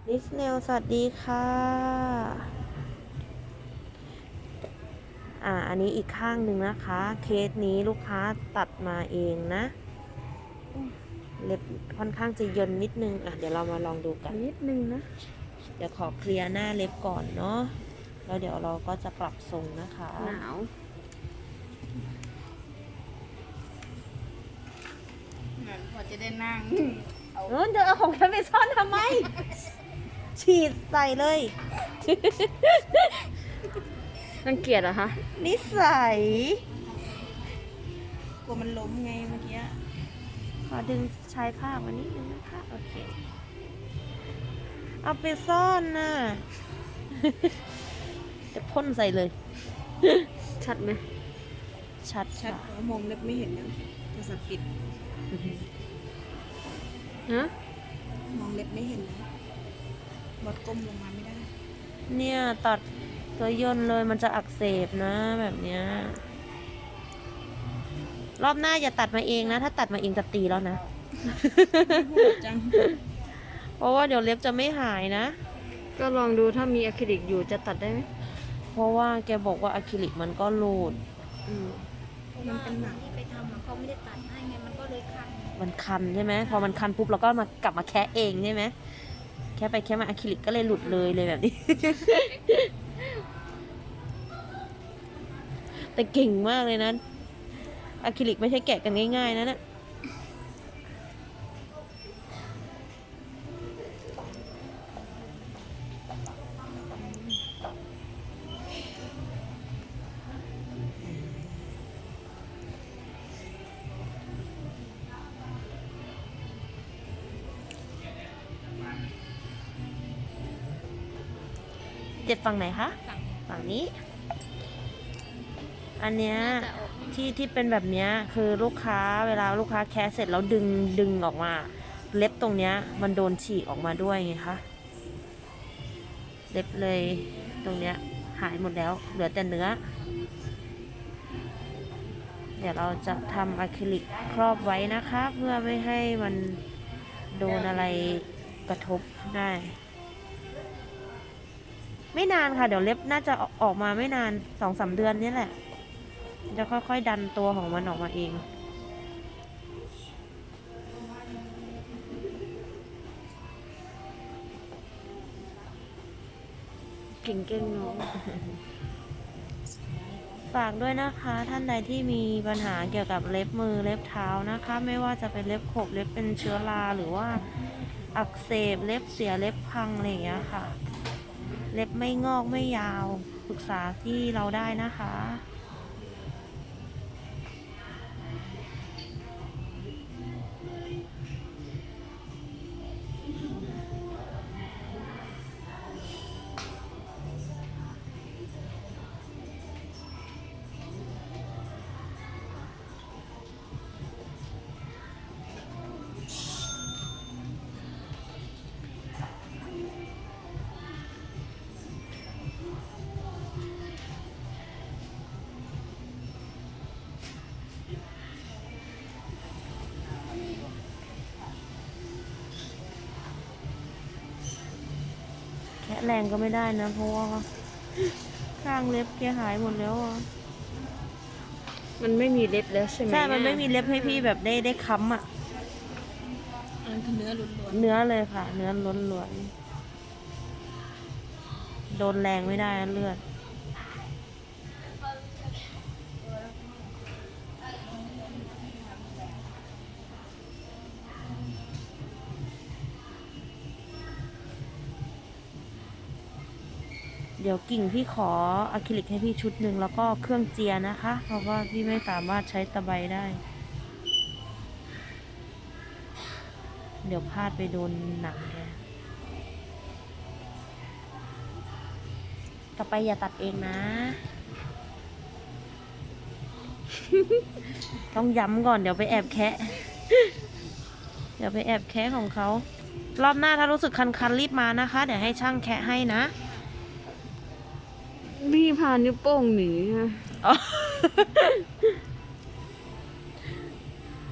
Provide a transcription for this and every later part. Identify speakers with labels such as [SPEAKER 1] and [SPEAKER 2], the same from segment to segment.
[SPEAKER 1] นิสเนลสวัสดีค่ะอันนี้อีกข้างหนึ่งนะคะเคสนี้ลูกค้าตัดมาเองนะเล็บค่อนข้างจะเยินนิดนึงเดี๋ยวเรามาลองดูกัน
[SPEAKER 2] นิดนึงนะ
[SPEAKER 1] เดี๋ยวขอเคลียร์หน้าเล็บก่อนเนาะแล้วเดี๋ยวเราก็จะปรับทรงนะคะ
[SPEAKER 2] หนาวเหมือนพอจะได้นั่ง
[SPEAKER 1] เดี๋ยวเอาของฉันไปซ่อนทำไม ฉีดใส่เลย
[SPEAKER 2] รังเกียจเหรอคะ
[SPEAKER 1] นิสัย
[SPEAKER 2] กลัวมันล้มไงเมื่อกี้
[SPEAKER 1] ขอดึงชายผ้ามานิดนึงนะคะโอเคเอาไปซ่อนน่ะ จะพ่นใส่เลย
[SPEAKER 2] ชัดไหม
[SPEAKER 1] ชัด
[SPEAKER 2] ชัดมองเล็บไม่เห็นนะโทรศัพท์ปิดฮะมองเล็บไม่เห็นนะบดก้มลงมาไม่ได้
[SPEAKER 1] เนี่ยตัดตัวย่นเลยมันจะอักเสบนะแบบเนี้ยรอบหน้าอย่าตัดมาเองนะถ้าตัดมาเองจะตีแล้วนะ
[SPEAKER 2] จัง
[SPEAKER 1] เพราะว่าเดี๋ยวเล็บจะไม่หายนะ
[SPEAKER 2] ก็ลองดูถ้ามีอะคริลิกอยู่จะตัดได้ไหม
[SPEAKER 1] เพราะว่าแกบอกว่าอะคริลิกมันก็รูด
[SPEAKER 2] มันเป็นหนังที่ไปทำเขาไม่ได้ตัดให้ไงมันก็เลยคัน
[SPEAKER 1] มันคันใช่ไหมพอมันคันปุ๊บเราก็มากลับมาแคะเองใช่ไหมแค่ไปแค่มาอะคริลิกก็เลยหลุดเลยแบบนี้ แต่เก่งมากเลยนะอะคริลิกไม่ใช่แกะกันง่ายๆนะเนี่ยเจ็บฝั่งไหนคะฝั่งนี้อันเนี้ยที่เป็นแบบเนี้ยคือลูกค้าเวลาลูกค้าแคะเสร็จแล้วดึงออกมาเล็บตรงเนี้ยมันโดนฉีกออกมาด้วยไงคะเล็บเลยตรงเนี้ยหายหมดแล้วเหลือแต่เนื้อเดี๋ยวเราจะทำอะคริลิกครอบไว้นะคะเพื่อไม่ให้มันโดนอะไรกระทบได้ไม่นานค่ะเดี๋ยวเล็บน่าจะออกมาไม่นาน2-3 เดือนนี่แหละจะค่อยๆดันตัวของมันออกมาเอง
[SPEAKER 2] เก่งๆน้อง
[SPEAKER 1] ฝากด้วยนะคะท่านใดที่มีปัญหาเกี่ยวกับเล็บมือเล็บเท้านะคะไม่ว่าจะเป็นเล็บขบเล็บเป็นเชื้อราหรือว่าอักเสบเล็บเสียเล็บพังอะไรอย่างเงี้ยค่ะเล็บไม่งอกไม่ยาวปรึกษาที่เราได้นะคะแค่แรงก็ไม่ได้นะเพราะว่าข้างเล็บแกหายหมดแล้วอ่ะ
[SPEAKER 2] มันไม่มีเล็บแล้วใช่ไหม
[SPEAKER 1] ใช่มันไม่มีเล็บให้พี่แบบได้ค้ำอ่ะ
[SPEAKER 2] อันคือเนื้อล้วน
[SPEAKER 1] เนื้อเลยค่ะเนื้อล้วนๆโดนแรงไม่ได้นะเลือดเดี๋ยวกิ่งพี่ขออะคริลิกให้พี่ชุดหนึ่งแล้วก็เครื่องเจียนะคะเพราะว่าพี่ไม่สามารถใช้ตะไบได้เดี๋ยวพลาดไปโดนหนังแกต่อไปอย่าตัดเองนะ ต้องย้ำก่อนเดี๋ยวไปแอบแคะ เดี๋ยวไปแอบแคะของเขารอบหน้าถ้ารู้สึกคันๆรีบมานะคะเดี๋ยวให้ช่างแคะให้นะ
[SPEAKER 2] พี่พานิ้วโป้งหนีนะ
[SPEAKER 1] อ๋อ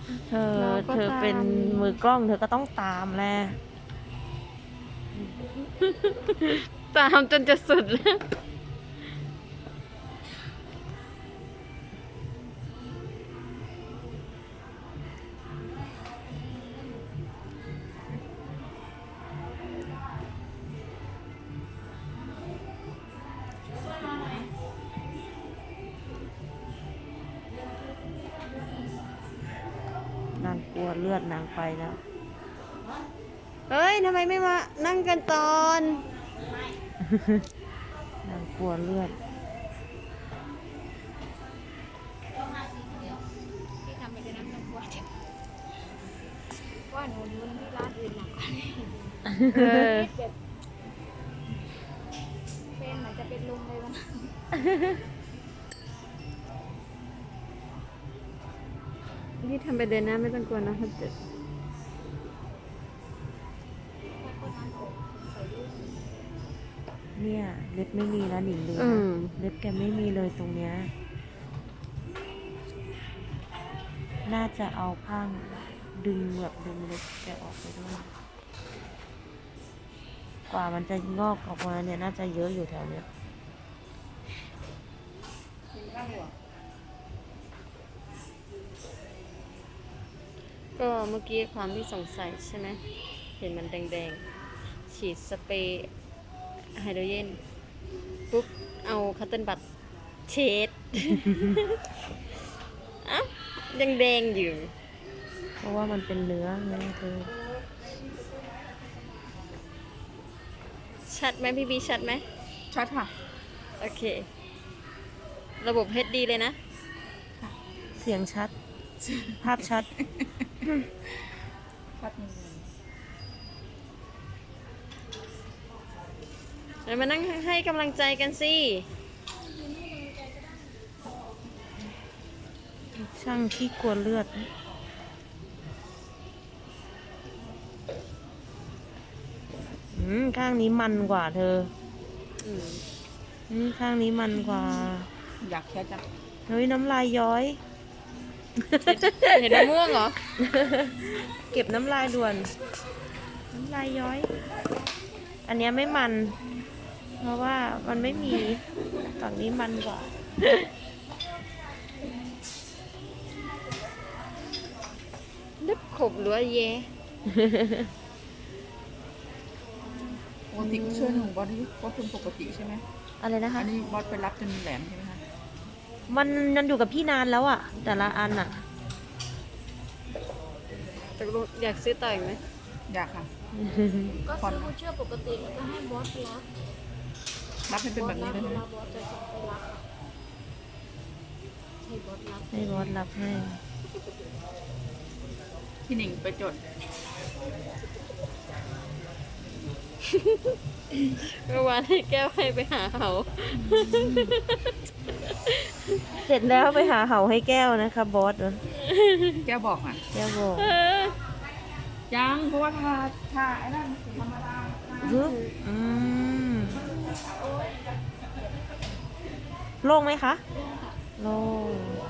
[SPEAKER 1] เธอเป็นมือกล้องเธอก็ต้องตามแหละ
[SPEAKER 3] ตามจนจะสุดแล้ว
[SPEAKER 1] นางกลัวเลือดนางไปแล้ว
[SPEAKER 3] เฮ้ย ทำไมไม่มานั่งกันตอน
[SPEAKER 1] นางกลัวเลือด
[SPEAKER 4] ที่ทำไปเลยนะไม่ต้องกลัวเจ็บว่าหนูรู้ที่ร้านอื่นหนักกว่านี้
[SPEAKER 3] เออ
[SPEAKER 4] แบบเป็นเหมือนจะเป็นลมเลยวันนั้น
[SPEAKER 3] พี่ทำไปเดินหน้าไม่ต้องกลัวนะถ้าเจ็บ
[SPEAKER 1] เนี่ยเล็บไม่มีแล้วหนิงดู
[SPEAKER 3] อื
[SPEAKER 1] นะ
[SPEAKER 3] ม
[SPEAKER 1] เล็บแกไม่มีเลยตรงเนี้ย น่าจะเอาข้างดึงแบบดึงเล็บแกออกไปด้วย กว่ามันจะงอกออกมาเนี่ยน่าจะเยอะอยู่แถวเนี้ย
[SPEAKER 3] ก็เมื่อกี้ความที่สงสัยใช่ไหม เห็นมันแดงๆ ฉีดสเปรย์ไฮโดรเจนปุ๊บ เอาคัตเติ้ลบัตเช็ด อ้าวยังแดงอยู่
[SPEAKER 1] เพราะว่ามันเป็นเนื้อไงเธอ
[SPEAKER 3] ชัดไหมพี่บีชัดไหม
[SPEAKER 2] ชัดค่ะ
[SPEAKER 3] โอเค ระบบ HD เลยนะ
[SPEAKER 1] เสียงชัด ภาพชัด
[SPEAKER 2] ชัดจริง
[SPEAKER 3] เดี๋ยวมานั่งให้กำลังใจกันสิ
[SPEAKER 1] ช่างที่กลัวเลือด ข้างนี้มันกว่าเธอ
[SPEAKER 3] อืม
[SPEAKER 1] ข้างนี้มันกว่า
[SPEAKER 2] อยากแค่จัง
[SPEAKER 1] เฮ้ยน้ำลายย้อย
[SPEAKER 3] เห็นมะม่วงเหรอ
[SPEAKER 1] เก็บน้ำลายด่วน น้ำลายย้อย อันเนี้ยไม่มัน เพราะว่ามันไม่มีฝั่งนี้มันกว่า
[SPEAKER 3] เล็บขบหรือว่าแย่
[SPEAKER 2] ปกติช่วยหนูบอสนี่บอสเป็นปกติใช่ไหม
[SPEAKER 1] อะไรนะคะ
[SPEAKER 2] อันนี้บอสไปรับจนแหลมใช่ไหมคะ
[SPEAKER 1] มันอยู่กับพี่นานแล้วอะแต่ละอันอะ
[SPEAKER 3] ตกลงอยากซื้อต่ออีกไหม
[SPEAKER 2] อยากค่ะ
[SPEAKER 4] ก็ซื้อผู้เชื่อปกติแล้วก็ให้บอสรับ
[SPEAKER 2] รับให้เป็นแบบนี้เลย
[SPEAKER 4] เว
[SPEAKER 2] นะ
[SPEAKER 4] ลาบอสจะส่งไปรับอะให้บอสรับ
[SPEAKER 1] ให้บอสรับให้
[SPEAKER 2] พี่หนิงไปจด
[SPEAKER 3] เมื่อวานให้แก้วให้ไปหาเขา
[SPEAKER 1] เสร็จแล้วไปหาเหาให้แก้วนะคะบอส
[SPEAKER 2] แก้วบอกอ่ะ
[SPEAKER 1] แก้วบอก
[SPEAKER 2] ยังเพราะว่าทาไอ้นั่นธรรมดา
[SPEAKER 1] ฮึบโล่งไหมคะ โล่ง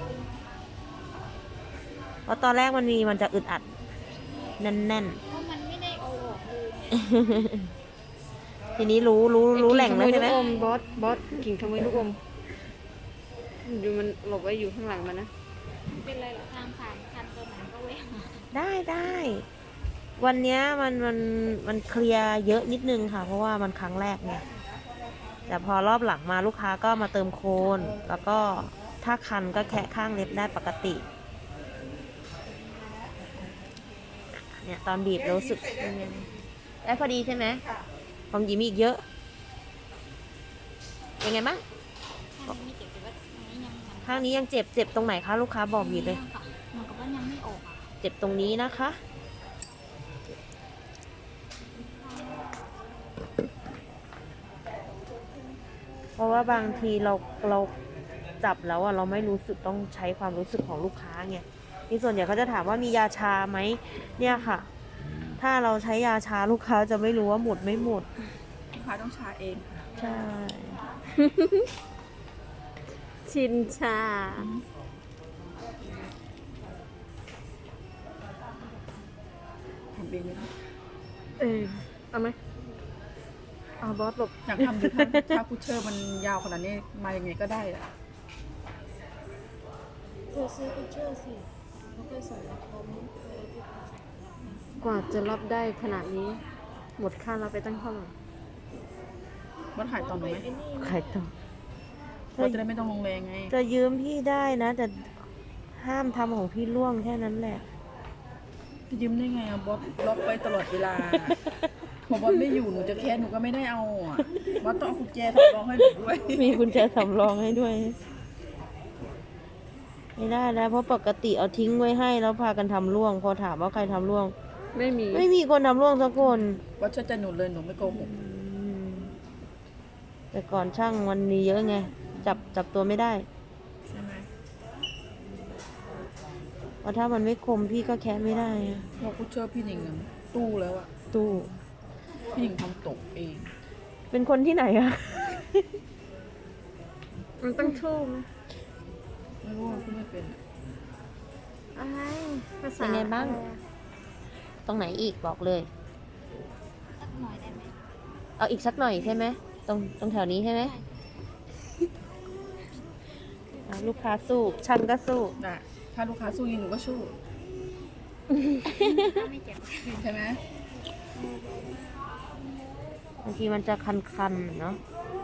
[SPEAKER 1] เพราะตอนแรกมันจะอึดอัด แน่น
[SPEAKER 4] เพราะมันไม่ได้เอาออกเลย
[SPEAKER 1] ๆ ทีนี้รู้แหล่งแล้วใช่ไหม
[SPEAKER 3] กิ่ขโยลูกอมบอสกิ่งขโมยลูกอมดูมันหลบไว้อยู่ข้างหลังมันนะ
[SPEAKER 4] เป็นไรหรอทางผ่านคันตัวไหนก็เว้ย
[SPEAKER 1] ได้ วันเนี้ยมันเคลียร์เยอะนิดนึงค่ะ เพราะว่ามันครั้งแรกไง แต่พอรอบหลังมาลูกค้าก็มาเติมโคน แล้วก็ถ้าคันก็แคะข้างเล็บได้ปกติ เนี่ยตอนบีบรู้สึกเป็นไงได้พอดีใช่ไหมของหยิมอีกเยอะ เป็นไงบ้าง
[SPEAKER 4] ข้างนี้ไม่เจ็บแต่ว่าอันนี้ยังมัน
[SPEAKER 1] ข้างนี้ยังเจ็บตรงไหนคะลูกค้าบอกบีบเลย
[SPEAKER 4] ค่ะเหมือนกับว่ายังไม่ออกอ่ะ
[SPEAKER 1] เจ็บตรงนี้นะคะ เพราะว่าบางทีเราจับแล้วอะเราไม่รู้สึกต้องใช้ความรู้สึกของลูกค้าไงนี่ส่วนใหญ่เขาจะถามว่ามียาชาไหมเนี่ยค่ะ ถ้าเราใช้ยาชาลูกค้าจะไม่รู้ว่าหมดไม่หมด
[SPEAKER 2] ลูกค้าต้องชาเองค่ะ
[SPEAKER 1] ใช่
[SPEAKER 3] ชินชา
[SPEAKER 2] ทำเองเลยนะ
[SPEAKER 3] เอาไหมบอสหลบ
[SPEAKER 2] อยากทำดูถ้าพุชเชอร์มันยาวขนาดนี้มายังไงก็ได้อะ
[SPEAKER 4] เธอซื้อพิเชอร์สิแล้วก็ใส่คอมเออที่
[SPEAKER 3] กว่าจะรับได้ขนาดนี้ หมดค่ารับไปตั้งเท่าไหร่
[SPEAKER 2] บอสถ่ายตอนหนูไหม
[SPEAKER 4] ไอ้นี่
[SPEAKER 1] ใครต่อบ
[SPEAKER 2] อสจะได้ไม่ต้องลงแรงไง
[SPEAKER 1] จะยืมพี่ได้นะ แต่ห้ามทำของพี่ล่วงแค่นั้นแหละ
[SPEAKER 2] ยืมได้ไงอะบอสล็อกไว้ตลอดเวลา พอบอสไม่อยู่หนูจะแคสหนูก็ไม่ได้เอาอะบอสต้องเอากุญแจสำรองให้หนูด้วย
[SPEAKER 1] มีกุญแจสำรองให้ด้วย ไม่ได้แล้วเพราะปกติเอาทิ้งไว้ให้แล้วพากันทำล่วง พอถามว่าใครทำล่วง
[SPEAKER 3] ไม่มี
[SPEAKER 1] ไม่มีคนทำล่วงสักคน
[SPEAKER 2] บอสเชื่อใจหนูเลยหนูไม่โกหก
[SPEAKER 1] อืมแต่ก่อนช่างมันมีเยอะไง จับตัวไม่ได้
[SPEAKER 2] ใช่ไหม
[SPEAKER 1] เพราะถ้ามันไม่คมพี่ก็แคะไม่ได้อะ
[SPEAKER 2] พอพุชเชอร์พี่หนิงอะตู้แล้วอะ
[SPEAKER 1] ตู้
[SPEAKER 2] พี่หนิงทำตกเอง
[SPEAKER 1] เป็นคนที่ไหนอะ
[SPEAKER 3] มันต้องทูบ
[SPEAKER 2] ไม่รู้ว่าพี่ไม่เป็นอะ
[SPEAKER 3] อะไรภาษา
[SPEAKER 1] เป็นไงบ้าง ตรงไหนอีกบอกเลย
[SPEAKER 4] สักหน่อยได้ไหม
[SPEAKER 1] เอาอีกสักหน่อยใช่ไหมตรงแถวนี้ใช่ไหมอ่ะลูกค้าสู้ช่างก็สู้
[SPEAKER 2] น่ะถ้าลูกค้าสู้ยิงหนูก็สู้
[SPEAKER 4] ถ้าไม่เจ็บ
[SPEAKER 2] ใช่ไหม
[SPEAKER 1] บางทีมันจะคันๆเนาะ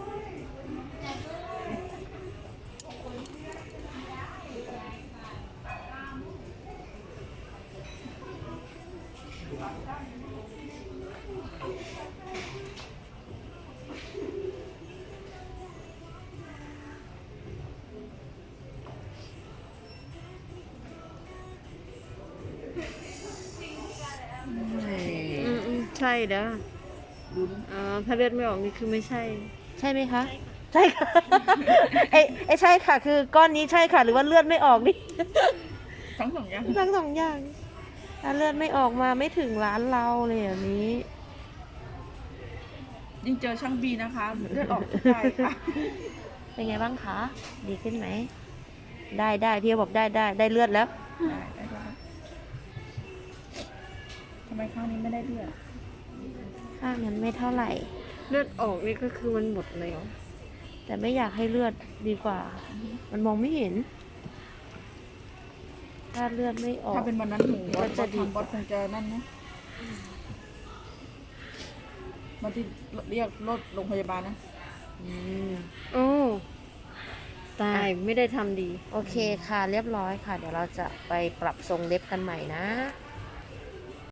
[SPEAKER 3] ใช่เด้อ
[SPEAKER 2] ลุ้น
[SPEAKER 3] ถ้าเลือดไม่ออกนี่คือไม่ใช่
[SPEAKER 1] ใช่ไหมคะ ใช่ค่ะ ไอ้ใช่ค่ะ คือก้อนนี้ใช่ค่ะ หรือว่าเลือดไม่ออกนี่
[SPEAKER 2] ทั้งสองอย่าง
[SPEAKER 1] ทั้งสองอย่างถ้าเลือดไม่ออกมาไม่ถึงร้านเราเลยแบบนี้
[SPEAKER 2] ยิ่งเจอช่างบีนะคะเลือดออกทุกใจค่ะ
[SPEAKER 1] เป็นไงบ้างคะ ดีขึ้นไหม ได้พี่บอกได้เลือดแล้ว
[SPEAKER 2] ได้ทำไมข้างนี้ไม่ได้เลือด
[SPEAKER 1] ข้างนั้นไม่เท่าไหร่
[SPEAKER 3] เลือดออกนี่ก็คือมันหมดแล้ว
[SPEAKER 1] แต่ไม่อยากให้เลือดดีกว่า มันมองไม่เห็น ถ้าเลือดไม่ออก
[SPEAKER 2] ถ้าเป็นวันนั้นหนูบอ
[SPEAKER 1] ก็
[SPEAKER 2] ส
[SPEAKER 1] จะดี
[SPEAKER 2] ทำบอสคงจะนั่นนะมาที่เรียกรถโรงพยาบาลนะ
[SPEAKER 1] อืม
[SPEAKER 3] โอ้ตายไม่ได้ทำดี
[SPEAKER 1] โอเคค่ะ เรียบร้อยค่ะ เดี๋ยวเราจะไปปรับทรงเล็บกันใหม่นะ
[SPEAKER 3] ค